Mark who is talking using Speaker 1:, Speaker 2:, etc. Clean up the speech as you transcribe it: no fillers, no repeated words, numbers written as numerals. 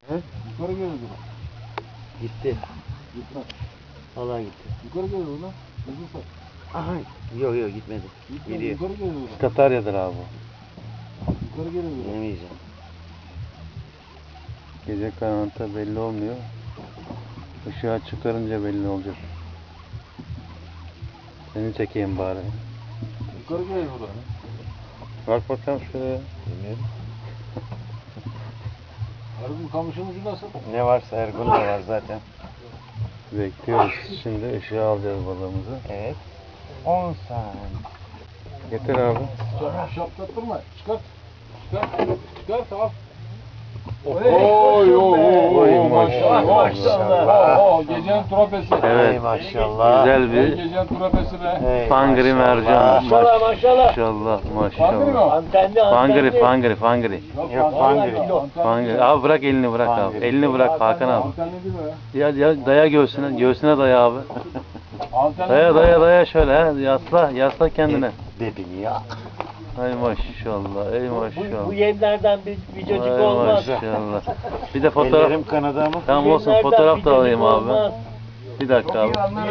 Speaker 1: He?
Speaker 2: Yukarı geliyordu.
Speaker 1: Gitti.
Speaker 2: Gitmez.
Speaker 1: Allah gitti.
Speaker 2: Yukarı geliyordu lan. Uzun saç.
Speaker 1: Aha. Yok yok gitmedi.
Speaker 2: Gitmedi.
Speaker 1: Geliyor.
Speaker 2: Yukarı geliyordu.
Speaker 3: Katarya'dır abi bu.
Speaker 2: Yukarı geliyordu.
Speaker 1: Yemeyeceğim.
Speaker 3: Gece karanlıkta belli olmuyor. Işığa çıkarınca belli olacak. Seni çekeyim bari.
Speaker 2: Yukarı geliyordu.
Speaker 3: Bak bakalım şuraya.
Speaker 1: Bilmiyorum.
Speaker 2: Ergun kamışımız nasıl?
Speaker 1: Ne varsa Ergun da var zaten.
Speaker 3: Bekliyoruz. Şimdi ışığa alacağız balığımızı.
Speaker 1: Evet. 10 saniye.
Speaker 3: Getir abi.
Speaker 2: Şaptattırma. Çıkart. Çıkart. Çıkart al.
Speaker 3: Oy,
Speaker 2: Oy
Speaker 3: maşallah.
Speaker 2: maşallah. Gecenin trofesi.
Speaker 3: Evet.
Speaker 1: Ey maşallah.
Speaker 3: Güzel bir
Speaker 2: Gecenin trofesi be.
Speaker 1: Ey
Speaker 3: fangri mercan.
Speaker 1: maşallah.
Speaker 3: Maşallah
Speaker 2: Fangri mi o?
Speaker 3: Fangri, fangri, fangri.
Speaker 1: Yok, fangri.
Speaker 3: Fangri. Abi bırak elini bırak abi.
Speaker 1: Fangri.
Speaker 3: Elini bırak Hakan abi.
Speaker 2: Antenli değil mi ya?
Speaker 3: Ya daya göğsüne. Göğsüne daya abi.
Speaker 2: Antenli
Speaker 3: Daya
Speaker 2: değil mi?
Speaker 3: daya şöyle ha. Yasla kendine.
Speaker 1: Dedin ya.
Speaker 3: Ay maşallah. Ey maşallah.
Speaker 4: Bu yemlerden bir cacık
Speaker 3: Ay
Speaker 4: olmaz.
Speaker 3: maşallah. Bir de fotoğraf.
Speaker 1: Ellerim kanadı ama.
Speaker 3: Tamam olsun
Speaker 4: Yemlerden
Speaker 3: fotoğraf
Speaker 4: bir
Speaker 3: da alayım
Speaker 4: cacık
Speaker 3: abi.
Speaker 4: olmaz.
Speaker 3: Bir dakika abi.